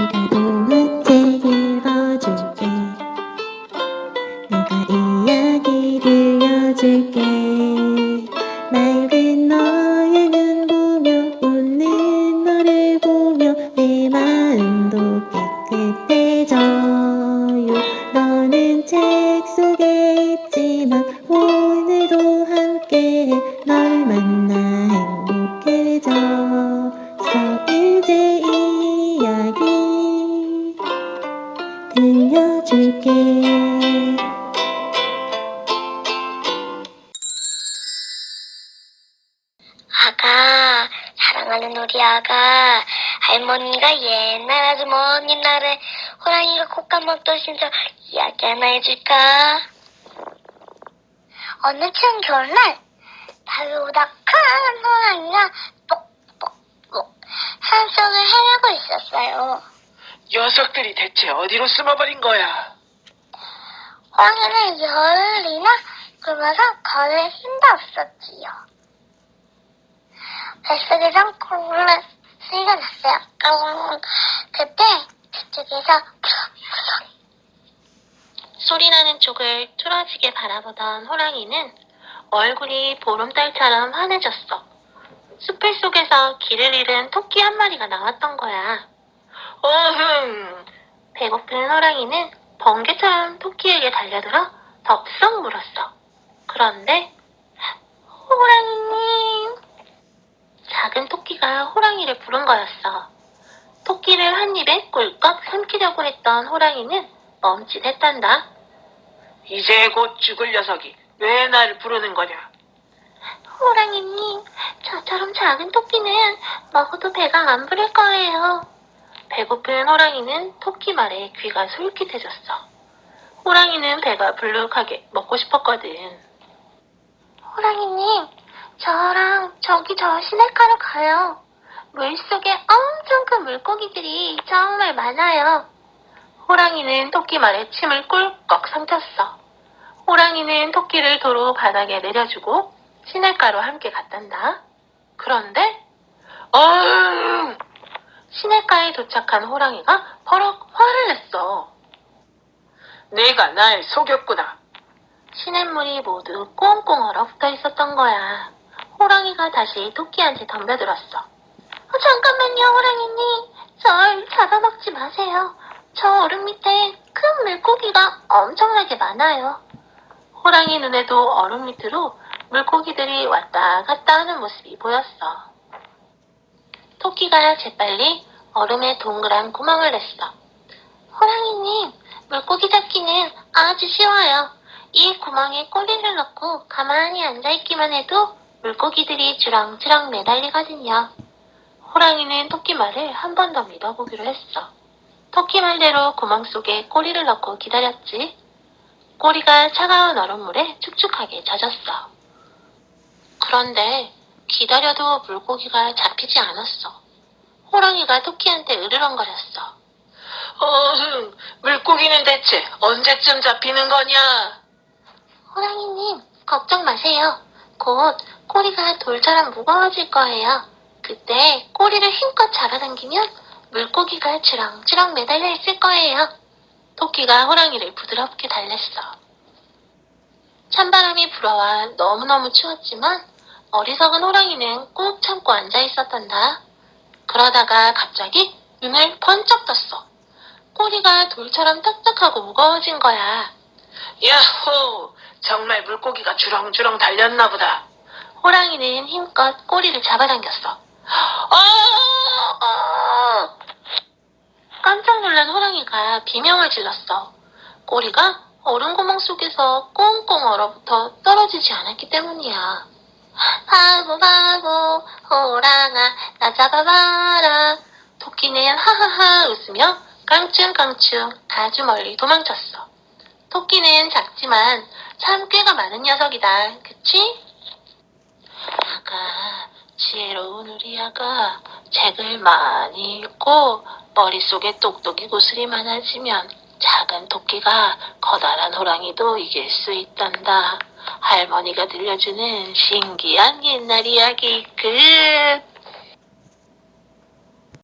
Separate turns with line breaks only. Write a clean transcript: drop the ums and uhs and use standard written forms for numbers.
내가 동화책 읽어줄게. 내가 이야기 들려줄게. 맑은 너의 눈 보며 웃는 너를 보며 내 마음도 깨끗해져요. 너는 책 속에 있지만 오늘도 함께해. 널 만나 행복해졌어. 이제 이야기 들려줄게.
아가, 사랑하는 우리 아가, 할머니가 옛날 아주 먼 옛날에 호랑이가 곶감 먹던 신설 이야기 하나 해줄까? 어느 추운 겨울날 달보다 큰 호랑이가 똑똑똑 산속을 헤매고 있었어요.
녀석들이 대체 어디로 숨어버린 거야?
호랑이는 열이나 굶어서 걸을 힘도 없었지요. 뱃속에선 꿀꿀한 소리가 났어요. 그때 그쪽에서 소리나는 쪽을 뚫어지게 바라보던 호랑이는 얼굴이 보름달처럼 환해졌어. 숲을 속에서 길을 잃은 토끼 한 마리가 나왔던 거야.
어흥!
배고픈 호랑이는 번개처럼 토끼에게 달려들어 덥석 물었어. 그런데 호랑이님, 작은 토끼가 호랑이를 부른 거였어. 토끼를 한 입에 꿀꺽 삼키려고 했던 호랑이는 멈칫했단다.
이제 곧 죽을 녀석이 왜 나를 부르는 거냐?
호랑이님, 저처럼 작은 토끼는 먹어도 배가 안 부를 거예요. 배고픈 호랑이는 토끼 말에 귀가 솔깃해졌어. 호랑이는 배가 불룩하게 먹고 싶었거든. 호랑이님, 저랑 저기 저 시냇가로 가요. 물속에 엄청 큰 물고기들이 정말 많아요. 호랑이는 토끼 말에 침을 꿀꺽 삼켰어. 호랑이는 토끼를 도로 바닥에 내려주고 시냇가로 함께 갔단다. 그런데 시냇가에 도착한 호랑이가 버럭 화를 냈어.
내가 날 속였구나.
시냇물이 모두 꽁꽁 얼어붙어 있었던 거야. 호랑이가 다시 토끼한테 덤벼들었어. 잠깐만요, 호랑이님. 절 잡아먹지 마세요. 저 얼음 밑에 큰 물고기가 엄청나게 많아요. 호랑이 눈에도 얼음 밑으로 물고기들이 왔다 갔다 하는 모습이 보였어. 토끼가 재빨리 얼음에 동그란 구멍을 냈어. 호랑이님, 물고기 잡기는 아주 쉬워요. 이 구멍에 꼬리를 넣고 가만히 앉아있기만 해도 물고기들이 주렁주렁 매달리거든요. 호랑이는 토끼 말을 한 번 더 믿어보기로 했어. 토끼 말대로 구멍 속에 꼬리를 넣고 기다렸지. 꼬리가 차가운 얼음물에 축축하게 젖었어. 그런데 기다려도 물고기가 잡히지 않았어. 호랑이가 토끼한테 으르렁거렸어.
어흥! 물고기는 대체 언제쯤 잡히는 거냐?
호랑이님, 걱정 마세요. 곧 꼬리가 돌처럼 무거워질 거예요. 그때 꼬리를 힘껏 잡아당기면 물고기가 주렁주렁 매달려 있을 거예요. 토끼가 호랑이를 부드럽게 달랬어. 찬바람이 불어와 너무너무 추웠지만 어리석은 호랑이는 꾹 참고 앉아 있었단다. 그러다가 갑자기 눈을 번쩍 떴어. 꼬리가 돌처럼 딱딱하고 무거워진 거야.
야호! 정말 물고기가 주렁주렁 달렸나 보다.
호랑이는 힘껏 꼬리를 잡아당겼어. 깜짝 놀란 호랑이가 비명을 질렀어. 꼬리가 얼음 구멍 속에서 꽁꽁 얼어붙어 떨어지지 않았기 때문이야. 바보 바보 호랑아 나 잡아봐라. 토끼는 하하하 웃으며 깡충깡충 아주 멀리 도망쳤어. 토끼는 작지만 참 꾀가 많은 녀석이다. 그치? 아가, 지혜로운 우리 아가, 책을 많이 읽고 머릿속에 똑똑이 구슬이 많아지면 작은 토끼가 커다란 호랑이도 이길 수 있단다. 할머니가 들려주는 신기한 옛날 이야기 끝.